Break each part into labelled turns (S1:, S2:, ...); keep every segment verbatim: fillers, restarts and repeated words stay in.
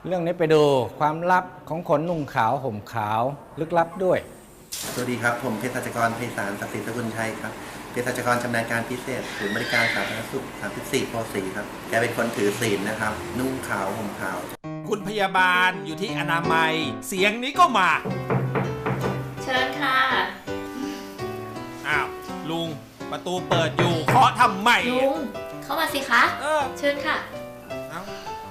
S1: เรื่องนี้ไปดูความลับของคนนุ่งขาวห่มขาวลึกลับด้วย
S2: สวัสดีครับผมเภสัชกรไพศาลศักดิ์ศรีสกุลชัยครับเภสัชกรชำนาญการพิเศษศูนย์บริการสาธารณสุขสามสิบสี่ โพธิ์ศรีครับแกเป็นคนถือศีลนะครับนุ่งขาวห่มขาว
S3: คุณพยาบาลอยู่ที่อนามัยเสียงนี้ก็มา
S4: เชิญค่ะ
S3: อ้าวลุงประตูเปิดอยู่เคาะทำไม
S4: ลุงเข้ามาสิคะเออเชิญค่ะ
S2: เอา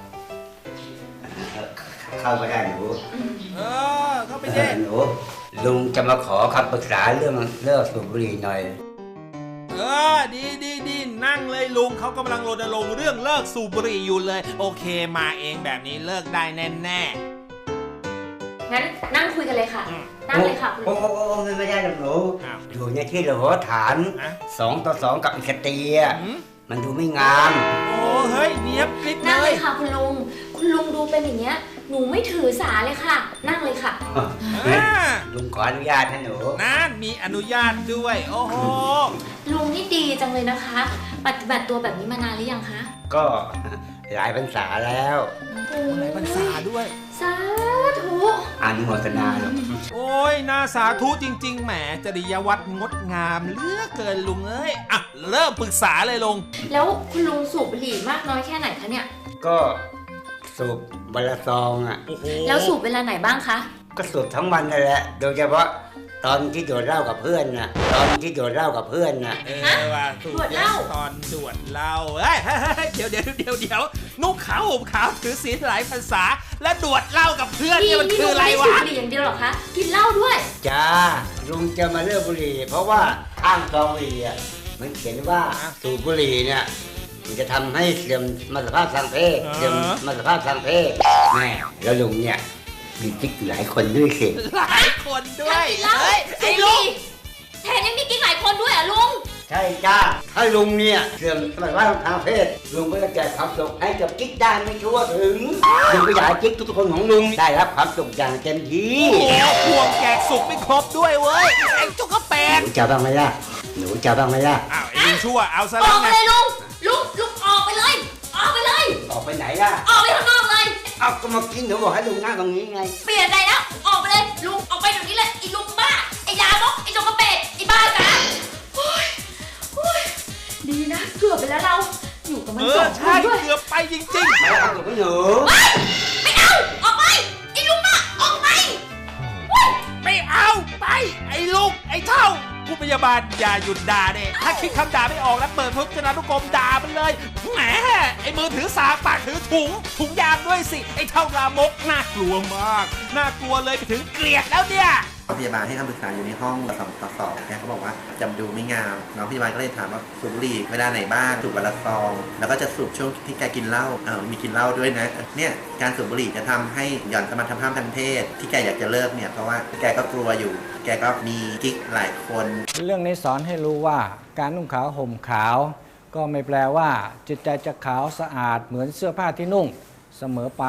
S2: เข้าไปได้หนู
S3: เออเข้าไปได้
S2: หนูลุงจะมาขอคำปรึกษาเรื่องเลิกสูบบุหรี่หน่อย
S3: เออดีดีดีนั่งเลยลุงเขากำลังรณรงค์เรื่องเลิกสูบบุหรี่อยู่เลยโอเคมาเองแบบนี้เลิกได้แน่แน่
S4: งั้นนั่งคุยกันเลยค่ะนั่งเลยค่ะ
S2: โอ้โหไม่ได้หรอกหนูอยู่ในที่เราฐานสองต่อสองกับอีกตีอ่ะมันดูไม่งาม
S3: โอ้เฮ้ยเนี้ยปิดเลย
S4: นั่งเลยค่ะคุณลุงคุณลุงดูเป็นอย่างเงี้ยหนูไม่ถือสาเลยค่ะนั่งเลยค่ะ
S2: ลุงขออนุญาตให้หนู
S3: นั่นมีอนุญาตด้วยโอ้โห
S4: ลุงนี่ดีจังเลยนะคะปฏิบัติตัวแบบนี้มานานหรือยังคะ
S2: ก็หลายพรรษาแล้ว
S3: หลายพรรษาด้วย
S4: สาธุ
S2: อนุโมทนาหรอก
S3: โอ้ยน่าสาธุจริงๆแหมจริยวัตรงดงามเหลือเกินลุงเอ้ยอ่ะเริ่มปรึกษาเลยลุง
S4: แล้วคุณลุงสูบบุหรี่มากน้อยแค่ไหนคะเนี่ย
S2: ก็สูบวันละซองอ่ะ
S4: แล้วสูบเวลาไหนบ้างคะ
S2: ก็สูบทั้งวันนั่นแหละโดยเฉพาะตอนที่โดดเหล้ากับเพื่อนน่ะตอนที่โดดเหล้ากับเพื่อนน่ะ
S3: เออว่าสูบเหล้าตอนโดดเหล้าเฮ้ยเดี๋ยวเดี๋ยวเดี๋ยวเดี๋ยวนุ่งขาวห่มขาวถือศีลหลายภาษาและโดดเหล้ากับเพื่อนเนี่ยมันคืออะไรวะ
S4: นี่ลุงไม่สูบบุหรี่อย่างเดียวหรอคะกินเหล้าด้วย
S2: จ้าลุงจะมาเลิกบุหรี่เพราะว่าข้างซองบุหรี่อ่ะมันเขียนว่าสูบบุหรี่เนี่ยมันจะทำให้เสื่อมสมรรถภาพทางเพศเสื่อมสมรรถภาพทางเพศแม่แล้วลุงเนี่ยมีกิ๊กหลายคนด้วยสิ
S3: หลายคนด้วย
S4: เฮ้ยไอ้ลุงแถมยังมีกิ๊กหลายคนด้วยอ่ะลุง
S2: ใช่จ้าถ้าลุงเนี่ยเสื่อมสมรรถภาพทางเพศลุงก็จะแจกความสุขให้กับกิ๊กได้ไม่ทั่วถึงลุงก็อยากให้กิ๊กทุกคนของลุงได้รับความสุขอย่างเต็มที่
S3: โอ้พวงแจกสุขไม่ครบด้วยเว้ยไอ้จุกกระแปง
S2: หนูจะบ้างไหมล่ะหนูจะบ้างไหมล่ะ
S3: อ้าวไอ้ลุงชั่วเอาซะแล้ว
S4: ไงออกไปเลยลุงลุงลุงออกไปเลยออกไปเลย
S2: ออกไปไหนล่ะ
S4: ออกไปข้างนอกเลย
S2: เอาก็มากินหนูบอกให้ลุงนั่งตรงนี้ไง
S4: เปลี่ยนใจแล้วออกไปเลยลุงออกไปเดี๋ยวนี้เลยไอ้ลุงบ้าไอ้ยามกไอ้จงกระเป็ดไอ้บ้าจ๋าโอ้ยโอ้ยดีนะเกือบไปแล้วเราอยู่กับมันสองคนด้วย
S3: เกือบไปจริงๆ
S2: ไม่เอากับหนู
S4: ไม่เอาออกไปไอ้ลุงบ้าออกไป
S3: ไม่เอาไปไอ้ลุงไอ้เท่าผู้พยาบาลอย่าหยุดด่าเด็ถ้าคิดคำด่าไม่ออกแล้วเปิดพจนานุกรมด่ามันเลยแหมไอ้มือถือสากปากถือถุงถุงยางด้วยสิไอ้เท่ารามกน่ากลัวมากน่ากลัวเลยไปถึงเกลียดแล้วเนี่ย
S2: พยาบาลให้คำปรึกษาอยู่ในห้องสองต่อสองแกเขาบอกว่าจำดูไม่งามน้องพยาบาลก็เลยถามว่าสูบบุหรี่เวลาไหนบ้างสูบวันละซองแล้วก็จะสูบช่วงที่แกกินเหล้าเออมีกินเหล้าด้วยนะเนี่ยการสูบบุหรี่จะทำให้หย่อนสมรรถภาพทางเพศที่แกอยากจะเลิกเนี่ยเพราะว่าแกก็กลัวอยู่แกก็มีกิ๊กหลายคน
S1: เรื่องนี้สอนให้รู้ว่าการนุ่งขาวห่มขาวก็ไม่แปลว่าจิตใจจะขาวสะอาดเหมือนเสื้อผ้าที่นุ่งเสมอไป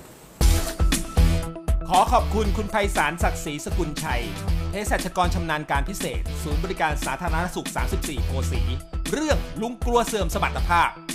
S3: ขอขอบคุณคุณไพศาลศักดิ์ศรีสกุลชัยเภสัชกรชำนาญการพิเศษศูนย์บริการสาธารณสุขสามสิบสี่ โพธิ์ศรีเรื่องลุงกลัวเสื่อมสมรรถภาพ